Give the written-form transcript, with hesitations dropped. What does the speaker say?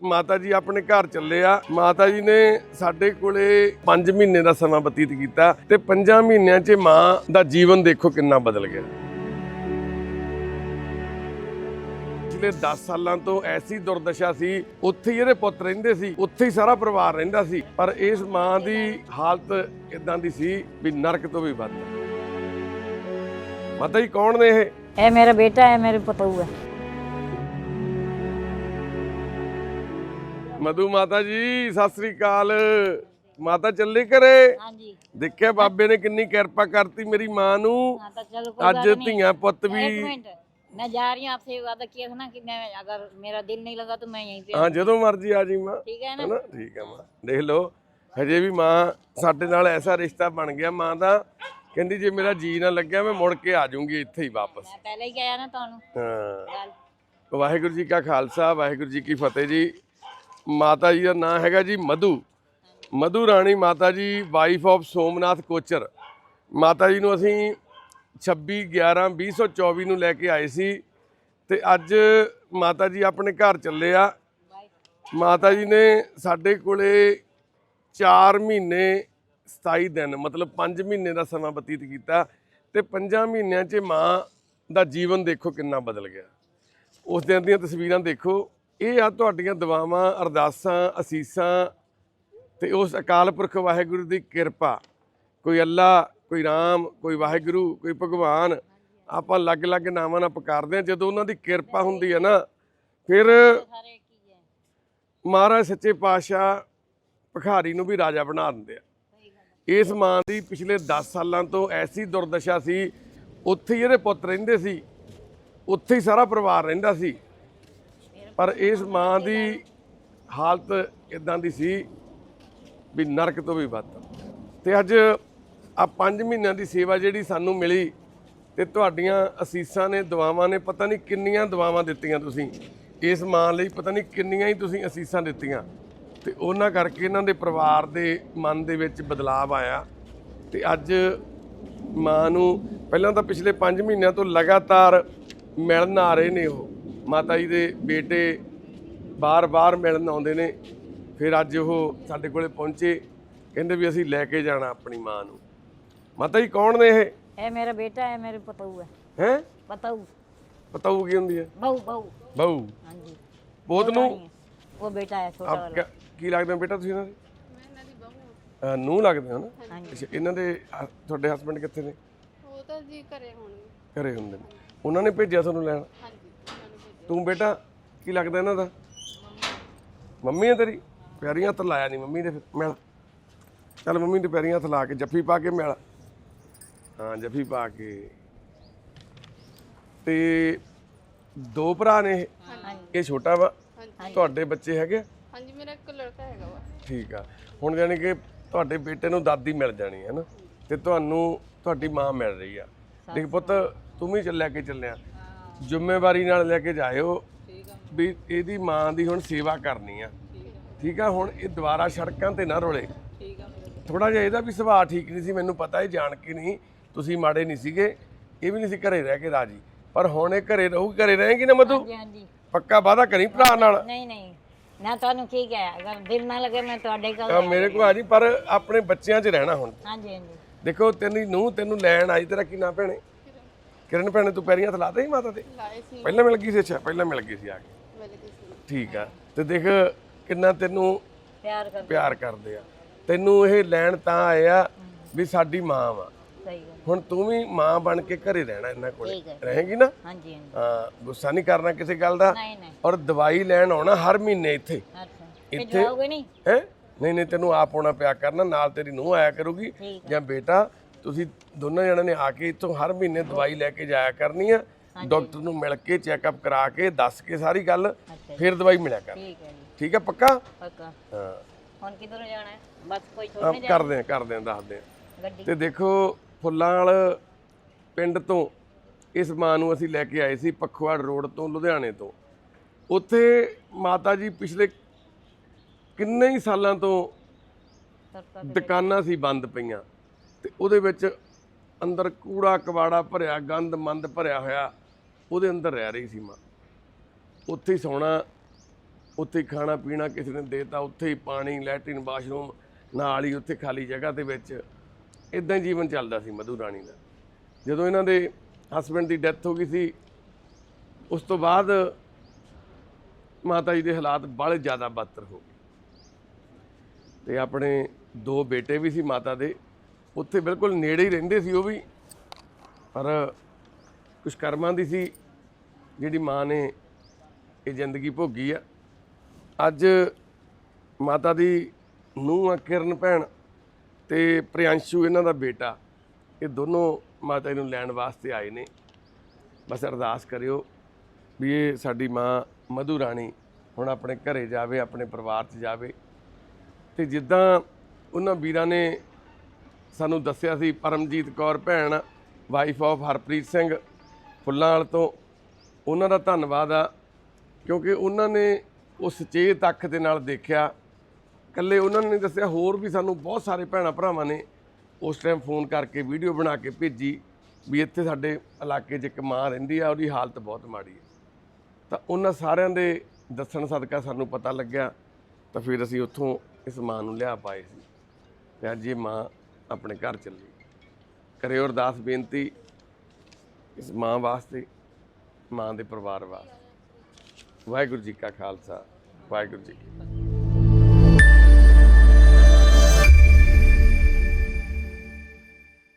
ਮਾਤਾ ਜੀ ਆਪਣੇ ਘਰ ਚੱਲੇ ਆ। ਮਾਤਾ ਜੀ ਨੇ ਸਾਡੇ ਕੋਲੇ 5 ਮਹੀਨੇ ਦਾ ਸਮਾਂ ਬਤੀਤ ਕੀਤਾ ਤੇ 5 ਮਹੀਨਿਆਂ 'ਚ ਮਾਂ ਦਾ ਜੀਵਨ ਦੇਖੋ ਕਿੰਨਾ ਬਦਲ ਗਿਆ। ਪਿਛਲੇ 10 ਸਾਲਾਂ ਤੋਂ ਐਸੀ ਦੁਰਦਸ਼ਾ ਸੀ, ਉੱਥੇ ਹੀ ਇਹਦੇ ਪੁੱਤ ਰਹਿੰਦੇ ਸੀ, ਉੱਥੇ ਹੀ ਸਾਰਾ ਪਰਿਵਾਰ ਰਹਿੰਦਾ ਸੀ, ਪਰ ਇਸ ਮਾਂ ਦੀ ਹਾਲਤ ਇਦਾਂ ਦੀ ਸੀ ਵੀ ਨਰਕ ਤੋਂ ਵੀ ਵੱਧ। ਮਾਤਾ ਜੀ ਕੌਣ ਨੇ ਇਹ मेरा बेटा है, मेरे पतोह है। मधु माता जी सत श्री अकाल। माता चले करे हाँ जी। देखिया बाबे ने कितनी किरपा करती मेरी मां नू। हाँ तो चलो कोई अज बात नहीं। धियां पुत भी एक मिनट, मैं जा रही हूँ, आपसे वादा किया था ना कि मैं अगर मेरा दिल नहीं लगा तो मैं यहीं पे हाँ जो मर्जी आ जी मां, ठीक है है ना? ना? ठीक है मां, देख लो हजे भी मां साडे नाल ऐसा रिश्ता बन गया। मां दा कहंदी जे मेरा जी ना लग्या मैं मुड़ के आ जाऊंगी इत्थे ही वापस। मैं पहले ही कहा ना तुहानू हाँ गल। वाहिगुरू जी का खालसा वाहिगुरू जी की फतेह जी। माता जी का नाम हैगा जी मधु, मधु राणी माता जी, वाइफ ऑफ सोमनाथ कोचर। माता जी नूं असीं 26/11/2024 ਨੂੰ ਲੈ ਕੇ ਆਏ ਸੀ ਤੇ ਅੱਜ ਮਾਤਾ ਜੀ ਆਪਣੇ ਘਰ ਚੱਲੇ ਆ। ਮਾਤਾ ਜੀ ਨੇ ਸਾਡੇ ਕੋਲੇ 4 ਮਹੀਨੇ 27 ਦਿਨ ਮਤਲਬ 5 ਮਹੀਨੇ ਦਾ ਸਮਾਂ ਬਤੀਤ ਕੀਤਾ ਤੇ 5 ਮਹੀਨਿਆਂ 'ਚ ਮਾਂ ਦਾ ਜੀਵਨ ਦੇਖੋ ਕਿੰਨਾ ਬਦਲ ਗਿਆ। ਉਸ ਦਿਨ ਦੀਆਂ ਤਸਵੀਰਾਂ ਦੇਖੋ। ਇਹ ਆ ਤੁਹਾਡੀਆਂ ਦੁਆਵਾਂ, ਅਰਦਾਸਾਂ, ਅਸੀਸਾਂ ਤੇ ਉਸ ਅਕਾਲ ਪੁਰਖ ਵਾਹਿਗੁਰੂ ਦੀ ਕਿਰਪਾ। ਕੋਈ ਅੱਲਾ, ਕੋਈ ਰਾਮ, ਕੋਈ ਵਾਹਿਗੁਰੂ, ਕੋਈ ਭਗਵਾਨ, ਆਪਾਂ ਅਲੱਗ-ਅਲੱਗ ਨਾਵਾਂ ਨਾਲ ਪੁਕਾਰਦੇ ਹਾਂ। ਜਦੋਂ ਉਹਨਾਂ ਦੀ ਕਿਰਪਾ ਹੁੰਦੀ ਹੈ ਨਾ ਫਿਰ सारे की है। ਮਹਾਰਾਜ ਸੱਚੇ ਪਾਤਸ਼ਾਹ ਭਿਖਾਰੀ ਨੂੰ ਵੀ ਰਾਜਾ ਬਣਾ ਦਿੰਦੇ ਆ। ਇਸ ਮਾਂ ਦੀ ਪਿਛਲੇ 10 ਸਾਲਾਂ ਤੋਂ ਐਸੀ ਦੁਰਦਸ਼ਾ ਸੀ, ਉੱਥੇ ਹੀ ਇਹਦੇ ਪੁੱਤ ਰਹਿੰਦੇ ਸੀ, ਉੱਥੇ ਹੀ ਸਾਰਾ ਪਰਿਵਾਰ ਰਹਿੰਦਾ ਸੀ, ਪਰ ਇਸ ਮਾਂ ਦੀ ਹਾਲਤ ਇਦਾਂ ਦੀ ਸੀ ਵੀ ਨਰਕ ਤੋਂ ਵੀ ਵੱਧ। ਤੇ ਅੱਜ ਆ 5 ਮਹੀਨਿਆਂ ਦੀ ਸੇਵਾ ਜਿਹੜੀ ਸਾਨੂੰ ਮਿਲੀ ਤੇ ਤੁਹਾਡੀਆਂ ਅਸੀਸਾਂ ਨੇ, ਦੁਆਵਾਂ ਨੇ, ਪਤਾ ਨਹੀਂ ਕਿੰਨੀਆਂ ਦੁਆਵਾਂ ਦਿੱਤੀਆਂ ਤੁਸੀਂ ਇਸ ਮਾਂ ਲਈ, ਪਤਾ ਨਹੀਂ ਕਿੰਨੀਆਂ ਹੀ ਤੁਸੀਂ ਅਸੀਸਾਂ ਦਿੱਤੀਆਂ ਤੇ ਉਹਨਾਂ ਕਰਕੇ ਇਹਨਾਂ ਦੇ ਪਰਿਵਾਰ ਦੇ ਮਨ ਦੇ ਵਿੱਚ ਬਦਲਾਅ ਆਇਆ। ਤੇ ਅੱਜ ਮਾਂ ਨੂੰ ਪਹਿਲਾਂ ਤਾਂ ਪਿਛਲੇ 5 ਮਹੀਨਿਆਂ ਤੋਂ ਲਗਾਤਾਰ ਮਿਲਣ ਆ ਰਹੇ ਨੇ ਉਹ ਮਾਤਾ ਜੀ ਦੇ ਬੇਟੇ, ਬਾਰ-ਬਾਰ ਮਿਲਣ ਆਉਂਦੇ ਨੇ। ਫਿਰ ਅੱਜ ਉਹ ਸਾਡੇ ਕੋਲੇ ਪਹੁੰਚੇ, ਕਹਿੰਦੇ ਵੀ ਅਸੀਂ ਲੈ ਕੇ ਜਾਣਾ ਆਪਣੀ ਮਾਂ ਨੂੰ। ਮਾਤਾ ਜੀ ਕੌਣ ਨੇ ਇਹ मेरा बेटा है, मेरे पतोह है। ਹੈ पतोह ਪਤਾਊ ਕੀ ਹੁੰਦੀ ਹੈ? बहू बहू। ਬਹੂ। हाँ जी। ਪੋਤ ਨੂੰ वो बेटा है छोटा वाला। ਕੀ ਲੱਗਦੇ ਹੋ ਬੇਟਾ ਤੁਸੀਂ ਇਹਨਾਂ ਦੇ? ਮੈਂ ਇਹਨਾਂ ਦੀ ਬਹੂ ਹਾਂ। ਨੂੰਹ ਲੱਗਦੇ ਹੋ ਨਾ? हाँ जी। ਅੱਛਾ, ਇਹਨਾਂ ਦੇ ਤੁਹਾਡੇ ਹਸਬੰਡ ਕਿੱਥੇ ਨੇ? ਉਹ ਤਾਂ ਜੀ ਘਰੇ ਹੋਣਗੇ। ਘਰੇ ਹੁੰਦੇ ਨੇ। ਉਹਨਾਂ ਨੇ ਭੇਜਿਆ ਤੁਹਾਨੂੰ ਲੈਣ? ਹਾਂਜੀ ਉਹਨਾਂ ਨੂੰ ਭੇਜਿਆ। ਤੂੰ ਬੇਟਾ ਕੀ ਲੱਗਦਾ ਇਹਨਾਂ ਦਾ? ਮੰਮੀ ਹੈ ਤੇਰੀ? ਪੈਰੀਂ ਹੱਥ ਲਾਇਆ ਨਹੀਂ ਮੰਮੀ ਦੇ, ਫਿਰ ਮਿਲ। ਚੱਲ ਮੰਮੀ ਦੇ ਪੈਰੀਂ ਹੱਥ ਲਾ ਕੇ ਜੱਫੀ ਪਾ ਕੇ ਮਿਲ। ਹਾਂ ਜੱਫੀ ਪਾ ਕੇ। ਤੇ 2 ਭਰਾ ਨੇ ਇਹ? ਇਹ ਛੋਟਾ ਵਾ? ਤੁਹਾਡੇ ਬੱਚੇ ਹੈਗੇ? ਹਾਂਜੀ ਮੇਰਾ ਇੱਕ ਲੜਕਾ ਹੈਗਾ ਵਾ। ਠੀਕ ਆ। ਹੁਣ ਜਾਣੀ ਕਿ ਤੁਹਾਡੇ ਬੇਟੇ ਨੂੰ ਦਾਦੀ ਮਿਲ ਜਾਣੀ ਹੈ ਨਾ ਤੇ ਤੁਹਾਨੂੰ ਤੁਹਾਡੀ ਮਾਂ ਮਿਲ ਰਹੀ ਆ। ਦੇਖ ਪੁੱਤ ਤੂੰ ਵੀ ਲੈ ਕੇ ਚੱਲਿਆ, ਜ਼ਿੰਮੇਵਾਰੀ ਨਾਲ ਲੈ ਕੇ ਜਾਇਓ ਵੀ ਇਹਦੀ ਮਾਂ ਦੀ ਹੁਣ ਸੇਵਾ ਕਰਨੀ ਆ। ਠੀਕ ਆ। ਹੁਣ ਇਹ ਦੁਬਾਰਾ ਸੜਕਾਂ ਤੇ ਨਾ ਰੋਲੇ। ਥੋੜਾ ਜਿਹਾ ਇਹਦਾ ਵੀ ਸੁਭਾਅ ਠੀਕ ਨਹੀਂ ਸੀ, ਮੈਨੂੰ ਪਤਾ ਇਹ ਜਾਣ ਕੇ ਨਹੀਂ, ਤੁਸੀਂ ਮਾੜੇ ਨਹੀਂ ਸੀਗੇ, ਇਹ ਵੀ ਨਹੀਂ ਸੀ ਘਰੇ ਰਹਿ ਕੇ ਰਾਜੀ, ਪਰ ਹੁਣ ਇਹ ਘਰੇ ਰਹੂਗੀ। ਘਰੇ ਰਹੇਗੀ ਨਾ ਮਧੂ? हाँ जी। ਪੱਕਾ ਵਾਅਦਾ ਕਰੀ ਭਰਾ ਨਾਲ। नहीं नहीं, मैं तुहानू की कहा, अगर दिल ना लगे मैं तुहाडे कोल। ਮੇਰੇ ਕੋਲ ਆ ਜੀ, ਪਰ ਆਪਣੇ ਬੱਚਿਆਂ 'ਚ ਰਹਿਣਾ ਹੁਣ। हाँ जी हाँ जी। ਦੇਖੋ ਤੇਰੀ ਨੂੰਹ ਤੈਨੂੰ ਲੈਣ ਆਈ, ਤੇਰਾ ਕੀ ਨਾਂ ਭੈਣੇ? ਕਿਰਨ ਭੈਣੇ। ਤੂੰ ਪੈਰੀਂ ਹੱਥ ਲਾਤਾ ਸੀ ਮਾਤਾ ਦੇ? ਲਾਏ ਸੀ ਪਹਿਲਾਂ ਮਿਲ ਗਈ ਸੀ? ਅੱਛਾ ਪਹਿਲਾਂ ਮਿਲ ਗਈ ਸੀ ਆ ਕੇ। ਮੇਰੇ ਕਿਸੇ ਠੀਕ ਆ। ਤੇ ਦੇਖ ਕਿੰਨਾ ਤੈਨੂੰ प्यार कर। ਪਿਆਰ ਕਰਦੇ ਆ। ਤੈਨੂੰ ਇਹ ਲੈਣ ਤਾਂ ਆਏ ਆ ਵੀ ਸਾਡੀ ਮਾਂ ਵਾ। सही गल। ਹੁਣ ਤੂੰ ਵੀ ਮਾਂ ਬਣ ਕੇ ਘਰੇ ਰਹਿਣਾ ਇਹਨਾਂ ਕੋਲੇ, ਠੀਕ ਹੈ। ਰਹੇਗੀ ਨਾ? हाँ जी हाँ जी। ਹਾਂ, ਗੁੱਸਾ ਨਹੀਂ ਕਰਨਾ ਕਿਸੇ ਗੱਲ ਦਾ। नहीं नहीं। ਔਰ ਦਵਾਈ ਲੈਣ ਆਉਣਾ ਹਰ ਮਹੀਨੇ ਇੱਥੇ। अच्छा ਇੱਥੇ भिजवाओगे नहीं? ਹੈ? ਨਹੀਂ ਨਹੀਂ, ਤੈਨੂੰ ਆਪ ਆਉਣਾ ਪਿਆ ਕਰਨਾ, ਨਾਲ ਤੇਰੀ ਨੂੰਹ ਆਇਆ ਕਰੂਗੀ ਠੀਕ ਜਾਂ ਬੇਟਾ। ਤੁਸੀਂ ਦੋਨਾਂ ਜਣਾਂ ਨੇ ਆ ਕੇ ਇੱਥੋਂ ਹਰ ਮਹੀਨੇ ਦਵਾਈ ਲੈ ਕੇ ਜਾਇਆ ਕਰਨੀ ਆ। ਡਾਕਟਰ ਨੂੰ ਮਿਲ ਕੇ ਚੈੱਕਅਪ ਕਰਾ ਕੇ ਦੱਸ ਕੇ ਸਾਰੀ ਗੱਲ, ਫਿਰ ਦਵਾਈ ਮਿਲਿਆ ਕਰ। ठीक है जी। ਠੀਕ ਹੈ ਪੱਕਾ? पक्का। ਹਾਂ हुन किधर जाना है? बस कोई ਆਹ छोड़ने ਕਰਦੇ ਆ ਦੱਸਦੇ ਆ। गड्डी। ਤੇ ਦੇਖੋ ਫੁੱਲਾਂ ਵਾਲ ਪਿੰਡ ਤੋਂ ਇਸ ਮਾਂ ਨੂੰ ਅਸੀਂ ਲੈ ਕੇ ਆਏ ਸੀ, ਪਖਵਾੜ ਰੋਡ ਤੋਂ, ਲੁਧਿਆਣੇ ਤੋਂ। ਉੱਥੇ ਮਾਤਾ ਜੀ ਪਿਛਲੇ ਕਿੰਨੇ ਹੀ ਸਾਲਾਂ ਤੋਂ ਦੁਕਾਨਾਂ ਸੀ ਬੰਦ ਪਈਆਂ ਤੇ ਉਹਦੇ ਵਿੱਚ ਅੰਦਰ ਕੂੜਾ ਕਬਾੜਾ ਭਰਿਆ, ਗੰਦ ਮੰਦ ਭਰਿਆ ਹੋਇਆ, ਉਹਦੇ ਅੰਦਰ ਰਹਿ ਰਹੀ ਸੀ ਮਾਂ। ਉੱਥੇ ਹੀ ਸੌਣਾ, ਉੱਥੇ ਹੀ ਖਾਣਾ ਪੀਣਾ ਕਿਸੇ ਨੇ ਦੇਤਾ, ਉੱਥੇ ਹੀ ਪਾਣੀ, ਲੈਟਰਿਨ, ਬਾਥਰੂਮ ਨਾਲ ਹੀ ਉੱਥੇ ਖਾਲੀ ਜਗ੍ਹਾ ਦੇ ਵਿੱਚ। ਇਦਾਂ ਹੀ ਜੀਵਨ ਚੱਲਦਾ ਸੀ ਮਧੂ ਰਾਣੀ ਦਾ। ਜਦੋਂ ਇਹਨਾਂ ਦੇ ਹਸਬੈਂਡ ਦੀ ਡੈਥ ਹੋ ਗਈ ਸੀ, ਉਸ ਤੋਂ ਬਾਅਦ ਮਾਤਾ ਜੀ ਦੇ ਹਾਲਾਤ ਬੜੇ ਜ਼ਿਆਦਾ ਬਦਤਰ ਹੋ ਗਏ ਤੇ ਆਪਣੇ 2 ਬੇਟੇ ਵੀ ਸੀ ਮਾਤਾ ਦੇ, ਉੱਥੇ ਬਿਲਕੁਲ ਨੇੜੇ ਹੀ ਰਹਿੰਦੇ ਸੀ ਉਹ ਵੀ, ਪਰ ਕੁਛ ਕਰਮਾਂ ਦੀ ਸੀ ਜਿਹੜੀ ਮਾਂ ਨੇ ਇਹ ਜ਼ਿੰਦਗੀ ਭੋਗੀ ਆ। ਅੱਜ ਮਾਤਾ ਦੀ ਨੂੰਹ ਆ ਕਿਰਨ ਭੈਣ ਤੇ ਪ੍ਰਿਆੰਸ਼ੂ ਇਹਨਾਂ ਦਾ ਬੇਟਾ, ਇਹ ਦੋਨੋਂ ਮਾਤਾ ਜੀ ਨੂੰ ਲੈਣ ਵਾਸਤੇ ਆਏ ਨੇ। ਬਸ ਅਰਦਾਸ ਕਰਿਓ ਵੀ ਇਹ ਸਾਡੀ ਮਾਂ ਮਧੂ ਰਾਣੀ ਹੁਣ ਆਪਣੇ ਘਰੇ ਜਾਵੇ, ਆਪਣੇ ਪਰਿਵਾਰ 'ਚ ਜਾਵੇ। ਤੇ ਜਿੱਦਾਂ ਉਹਨਾਂ ਵੀਰਾਂ ਨੇ ਸਾਨੂੰ ਦੱਸਿਆ ਸੀ, ਪਰਮਜੀਤ ਕੌਰ ਭੈਣ ਵਾਈਫ ਆਫ ਹਰਪ੍ਰੀਤ ਸਿੰਘ ਫੁੱਲਾਂਵਾਲ ਤੋਂ, ਉਹਨਾਂ ਦਾ ਧੰਨਵਾਦ ਆ, ਕਿਉਂਕਿ ਉਹਨਾਂ ਨੇ ਉਹ ਸੁਚੇਤ ਅੱਖ ਦੇ ਨਾਲ ਦੇਖਿਆ। ਇਕੱਲੇ ਉਹਨਾਂ ਨੇ ਦੱਸਿਆ, ਹੋਰ ਵੀ ਸਾਨੂੰ ਬਹੁਤ ਸਾਰੇ ਭੈਣਾਂ ਭਰਾਵਾਂ ਨੇ ਉਸ ਟਾਈਮ ਫੋਨ ਕਰਕੇ ਵੀਡੀਓ ਬਣਾ ਕੇ ਭੇਜੀ ਵੀ ਇੱਥੇ ਸਾਡੇ ਇਲਾਕੇ 'ਚ ਇੱਕ ਮਾਂ ਰਹਿੰਦੀ ਆ, ਉਹਦੀ ਹਾਲਤ ਬਹੁਤ ਮਾੜੀ ਹੈ। ਤਾਂ ਉਹਨਾਂ ਸਾਰਿਆਂ ਦੇ ਦੱਸਣ ਸਦਕਾ ਸਾਨੂੰ ਪਤਾ ਲੱਗਿਆ, ਤਾਂ ਫਿਰ ਅਸੀਂ ਉੱਥੋਂ ਇਸ ਮਾਂ ਨੂੰ ਲਿਆ ਪਾਏ ਸੀ ਤੇ ਅੱਜ ਇਹ ਮਾਂ ਆਪਣੇ ਘਰ ਚੱਲੀ। ਕਰਿਓ ਅਰਦਾਸ ਬੇਨਤੀ ਇਸ ਮਾਂ ਵਾਸਤੇ, ਮਾਂ ਦੇ ਪਰਿਵਾਰ ਵਾਸਤੇ। ਵਾਹਿਗੁਰੂ ਜੀ ਕਾ ਖਾਲਸਾ, ਵਾਹਿਗੁਰੂ ਜੀ ਕੀ ਫਤਿਹ।